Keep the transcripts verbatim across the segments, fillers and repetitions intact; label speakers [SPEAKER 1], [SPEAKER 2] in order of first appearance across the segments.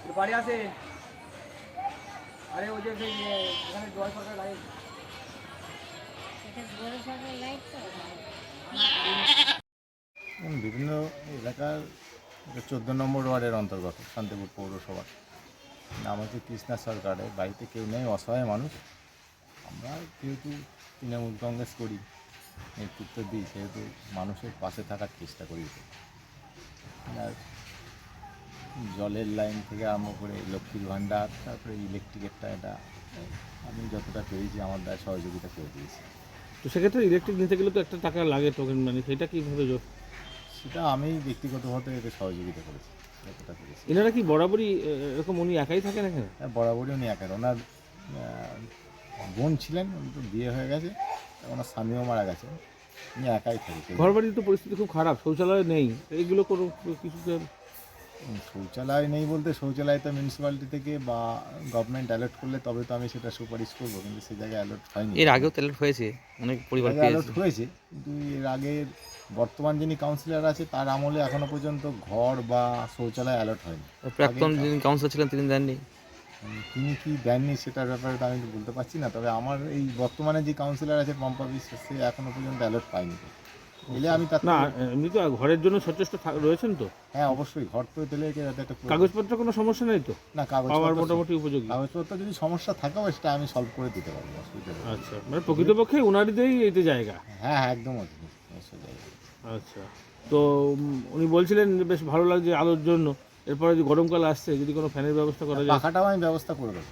[SPEAKER 1] বাড়ি আসে। আরে ওই যে সেই এখানে জয় সরকার লাইট,
[SPEAKER 2] বিভিন্ন এলাকার চোদ্দো নম্বর ওয়ার্ডের অন্তর্গত শান্তিপুর পৌরসভা। নাম হচ্ছে কৃষ্ণা সরকারের। বাড়িতে কেউ নেই, অসহায় মানুষ। আমরা যেহেতু তৃণমূল কংগ্রেস করি, নেতৃত্ব দিই, সেহেতু মানুষের পাশে থাকার চেষ্টা করি। আর জলের লাইন থেকে আরম্ভ করে লক্ষ্মীর ভাণ্ডার, তারপরে ইলেকট্রিকেরটা, এটা আমি যতটা পেরেছি আমার দ্বারা সহযোগিতা করে দিয়েছি।
[SPEAKER 3] তো সেক্ষেত্রে ইলেকট্রিক নিতে গেলে তো একটা টাকা লাগে টোকেন মানে, সেটা কীভাবে যোগ?
[SPEAKER 2] সেটা আমি ব্যক্তিগতভাবে এতে সহযোগিতা করেছি যতটা পেরেছি।
[SPEAKER 3] এনারা কি বরাবরই এরকম, উনি একাই থাকেন এখানে?
[SPEAKER 2] হ্যাঁ, বরাবরই উনি একের। ওনার বোন ছিলেন, উনি তো বিয়ে হয়ে গেছে, ওনার স্বামীও মারা গেছে, উনি একাই থাকে।
[SPEAKER 3] ঘর বাড়ির তো পরিস্থিতি খুব খারাপ, শৌচালয় নেই, এইগুলো কোনো কিছু?
[SPEAKER 2] শৌচালয় নেই বলতে, শৌচালয় তো মিউনিসিপ্যালিটি থেকে বা গভর্নমেন্ট অ্যালার্ট করলে তবে তো আমি সেটা সুপারিশ করবো, কিন্তু সেই জায়গায় অ্যালার্ট হয়নি।
[SPEAKER 4] এর আগেও তো অ্যালার্ট হয়েছে, অনেক পরিবার
[SPEAKER 2] অ্যালার্ট হয়েছে, কিন্তু এর আগের বর্তমান যিনি কাউন্সিলর আছে তার আমলে এখনো পর্যন্ত ঘর বা শৌচালয় অ্যালার্ট হয়নি।
[SPEAKER 4] প্রাক্তন যিনি কাউন্সিলর ছিলেন তিনি দেননি।
[SPEAKER 2] তিনি কি দেননি সেটার ব্যাপারে তো আমি বলতে পারছি না, তবে আমার এই বর্তমানে যে কাউন্সিলর আছে পম্পা বিশ্বাস, সে এখনো পর্যন্ত অ্যালার্ট পাইনি। এলে আমি তার
[SPEAKER 3] না, এমনি তো ঘরের জন্য সচেষ্ট রয়েছেন তো?
[SPEAKER 2] হ্যাঁ, অবশ্যই ঘর তো দিলে যাতে একটা
[SPEAKER 3] কাগজপত্র কোনো সমস্যা নেই তো?
[SPEAKER 2] না, কাগজ
[SPEAKER 3] আমার মোটামুটি উপযোগী।
[SPEAKER 2] কাগজপত্র যদি সমস্যা থাকেও সেটা আমি সলভ করে দিতে পারবো, অসুবিধা নেই।
[SPEAKER 3] আচ্ছা, মানে প্রকৃতপক্ষে ওনারই এইতে জায়গা?
[SPEAKER 2] হ্যাঁ হ্যাঁ, একদম অবশ্যই জায়গা।
[SPEAKER 3] আচ্ছা, তো উম, উনি বলছিলেন যে বেশ ভালো লাগছে আলোর জন্য, এরপরে যে গরমকাল আসছে যদি কোনো ফ্যানের ব্যবস্থা করা যায়।
[SPEAKER 2] পাখাটাও আমি ব্যবস্থা করে দেবো।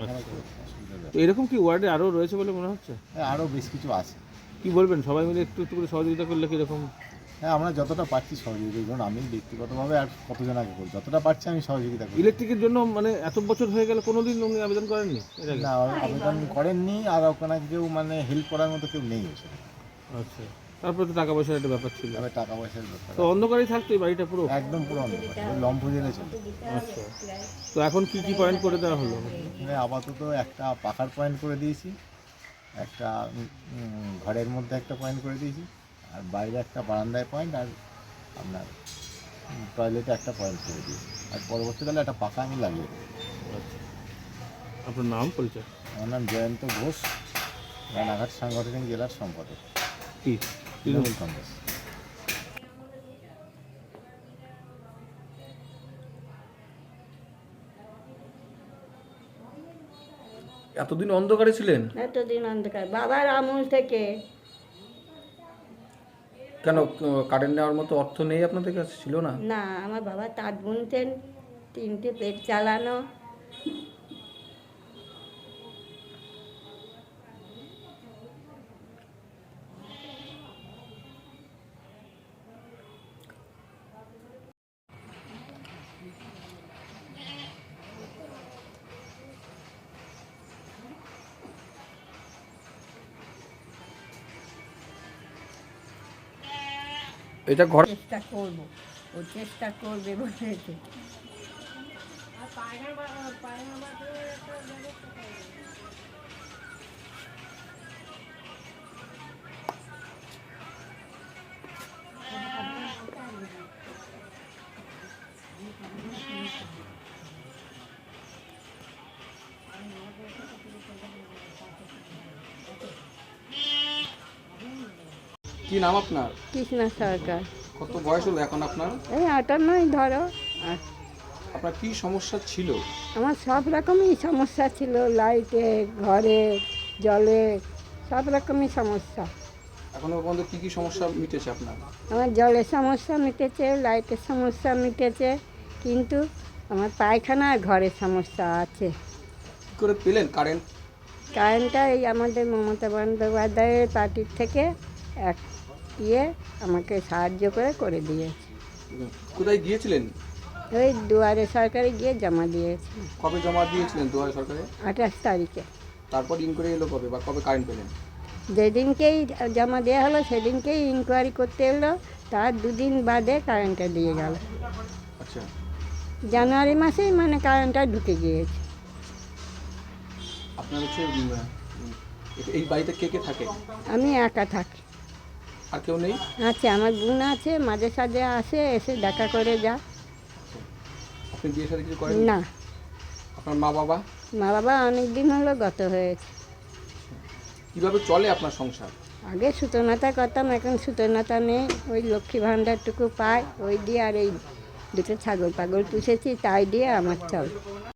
[SPEAKER 3] তো এরকম কি ওয়ার্ডে আরও রয়েছে বলে মনে হচ্ছে?
[SPEAKER 2] হ্যাঁ, আরও বেশ কিছু আছে।
[SPEAKER 3] কি বলবেন, সবাই মিলে একটু একটু করে সহযোগিতা করলে কীরকম?
[SPEAKER 2] হ্যাঁ, আমরা যতটা পারছি সহযোগিতা করুন। আমি ব্যক্তিগতভাবে আর কতজন আগে করি, যতটা পারছি আমি সহযোগিতা করি।
[SPEAKER 3] ইলেকট্রিকের জন্য মানে এত বছর হয়ে গেল, কোনো দিন উনি আবেদন করেননি এর আগে?
[SPEAKER 2] না, আবেদন করেননি, আর ওখানে কেউ মানে হেল্প করার মতো কেউ নেই এসে।
[SPEAKER 3] আচ্ছা, তারপরে তো টাকা পয়সার একটা ব্যাপার ছিল।
[SPEAKER 2] তবে টাকা পয়সার ব্যাপার
[SPEAKER 3] তো অন্ধকারেই থাকতো এই বাড়িটা পুরো?
[SPEAKER 2] একদম পুরো অন্ধকার, ওই লম্ফ জেলে চলে।
[SPEAKER 3] আচ্ছা, তো এখন কি কি পয়েন্ট করে দেওয়া হলো?
[SPEAKER 2] এখানে আপাতত একটা পাখার পয়েন্ট করে দিয়েছি, একটা উম, ঘরের মধ্যে একটা পয়েন্ট করে দিয়েছি, আর বাইরে একটা বারান্দায় পয়েন্ট, আর আপনার টয়লেটে একটা পয়েন্ট করে দিয়েছি। আর পরবর্তীকালে একটা পাখা আমি লাগিয়ে দেবো।
[SPEAKER 3] আচ্ছা, আপনার নাম পরিচয়?
[SPEAKER 2] আমার নাম জয়ন্ত ঘোষ, রানাঘাট সাংগঠনিক জেলার সম্পাদক,
[SPEAKER 3] কি
[SPEAKER 2] তৃণমূল কংগ্রেস।
[SPEAKER 3] এতদিন অন্ধকারে ছিলেন?
[SPEAKER 5] এতদিন অন্ধকার বাবার আমল থেকে।
[SPEAKER 3] কেন, কারেন্ট নেওয়ার মতো অর্থ নেই আপনাদের কাছে? ছিল না?
[SPEAKER 5] না, আমার বাবা তাঁত বুনতেন, তিনটে পেট চালানো।
[SPEAKER 3] এটা ঘর
[SPEAKER 5] চেষ্টা করবো, ও চেষ্টা করবে বলেছে।
[SPEAKER 3] কি নাম আপনার?
[SPEAKER 5] কৃষ্ণা সরকার।
[SPEAKER 3] কত বয়স হলো এখন আপনার?
[SPEAKER 5] এই আটান্নই ধরো। আর
[SPEAKER 3] আপনার কি সমস্যা ছিল?
[SPEAKER 5] আমার সব রকমই সমস্যা ছিল, লাইটে, ঘরে, জলে, সব রকমই সমস্যা।
[SPEAKER 3] এখনো পর্যন্ত কি কি সমস্যা মিটেছে আপনার?
[SPEAKER 5] আমার জলের সমস্যা মিটেছে, লাইটের সমস্যা মিটেছে, কিন্তু আমার পায়খানা আর ঘরের সমস্যা আছে।
[SPEAKER 3] কি করে পেলেন কারেন্ট?
[SPEAKER 5] কারেন্টটা এই আমাদের মমতা বন্দ্যোপাধ্যায়ের পার্টির থেকে এক ইয়ে আমাকে সাহায্য করে করে দিয়েছে।
[SPEAKER 3] কোথায় গিয়েছিলেন?
[SPEAKER 5] ওই দুয়ারে সরকারে গিয়ে জমা দিয়েছি
[SPEAKER 3] কবে জমা দিয়েছিলেন দুয়ারে সরকারে?
[SPEAKER 5] আঠাশ তারিখে।
[SPEAKER 3] তারপর ইনকোয়ারি এলো কবে বা কবে কারেন্ট পেলেন?
[SPEAKER 5] যেদিনকেই জমা দেওয়া হলো সেদিনকেই ইনকোয়ারি করতে এলো, তার দুদিন বাদে কারেন্টটা দিয়ে গেল।
[SPEAKER 3] আচ্ছা,
[SPEAKER 5] জানুয়ারি মাসেই মানে কারেন্টটা ঢুকে গিয়েছে।
[SPEAKER 3] আপনার হচ্ছে উম, এই বাড়িতে কে কে থাকে?
[SPEAKER 5] আমি একা থাকি।
[SPEAKER 3] আর কেউ নেই?
[SPEAKER 5] আছে, আমার বোন আছে, মাঝে সাঝে আসে, এসে দেখা করে যা।
[SPEAKER 3] আপনি বিয়ে শাদী কিছু করেন?
[SPEAKER 5] না,
[SPEAKER 6] আপনার মা বাবা
[SPEAKER 5] মা বাবা অনেক দিন হলো গত হয়েছে।
[SPEAKER 6] কিভাবে চলে আপনার সংসার?
[SPEAKER 5] আগে সুতোনাতা করতাম, এখন সুতোনাতা নেই, ওই লক্ষ্মী ভাণ্ডারটুকু পাই, ওই দিয়ে আর এই দুটো ছাগল পাগল পুষেছি, তাই দিয়ে আমার চল।